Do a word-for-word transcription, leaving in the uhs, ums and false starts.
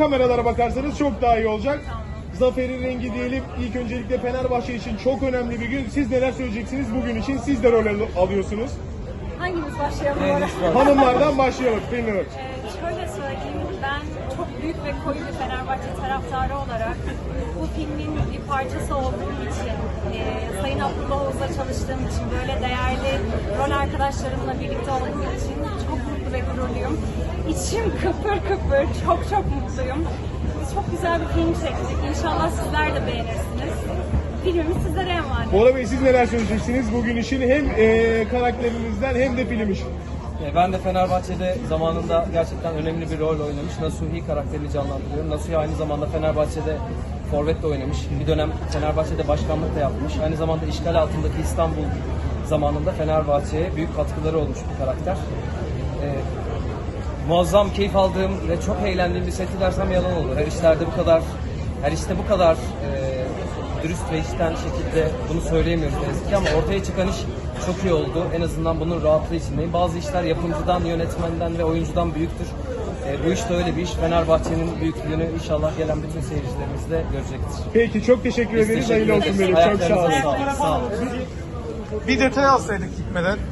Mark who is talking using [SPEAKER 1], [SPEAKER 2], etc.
[SPEAKER 1] kameralara bakarsanız çok daha iyi olacak. Zaferin rengi diyelim. İlk öncelikle Fenerbahçe için çok önemli bir gün. Siz neler söyleyeceksiniz bugün için? Siz de rol al- alıyorsunuz.
[SPEAKER 2] Hangimiz başlayalım oraya?
[SPEAKER 1] Hanımlardan başlayalım. Bilmiyorum.
[SPEAKER 2] Ee, şöyle söyleyeyim, ben çok büyük ve koyu bir Fenerbahçe taraftarı olarak bu filmin bir parçası olduğum için, e, Sayın Abdullah Oğuz'la çalıştığım için, böyle değerli rol arkadaşlarımla birlikte olduğum için çok mutlu ve gururluyum. İçim kıpır kıpır, çok çok mutluyum. Biz çok güzel bir film çektik. İnşallah sizler de beğenirsiniz. Filmimiz sizlere emanet.
[SPEAKER 1] Bora Bey, siz neler söyleyeceksiniz bugün için? Hem e, karakterinizden hem de film için.
[SPEAKER 3] Ben de Fenerbahçe'de zamanında gerçekten önemli bir rol oynamış. Nasuhi karakterini canlandırıyorum. Nasuhi aynı zamanda Fenerbahçe'de forvet de oynamış. Bir dönem Fenerbahçe'de başkanlık da yapmış. Aynı zamanda işgal altındaki İstanbul zamanında Fenerbahçe'ye büyük katkıları olmuş bir karakter. Ee, muazzam keyif aldığım ve çok eğlendiğim bir seti dersem yalan olur. Her işlerde bu kadar, her işte bu kadar e, dürüst ve içten şekilde bunu söyleyemiyoruz ne yazık ki, ama ortaya çıkan iş çok iyi oldu. En azından bunun rahatlığı içindeyim. Bazı işler yapımcıdan, yönetmenden ve oyuncudan büyüktür. E, bu iş de öyle bir iş. Fenerbahçe'nin büyüklüğünü inşallah gelen bütün seyircilerimiz de görecektir.
[SPEAKER 1] Peki, çok teşekkür
[SPEAKER 3] Biz
[SPEAKER 1] ederiz.
[SPEAKER 3] teşekkür
[SPEAKER 1] Hayırlı olsun
[SPEAKER 3] ederiz.
[SPEAKER 1] benim. Çok sağ olun.
[SPEAKER 3] Ayaklarınıza sağlık. Sağ olun.
[SPEAKER 4] Bir detay alsaydık gitmeden.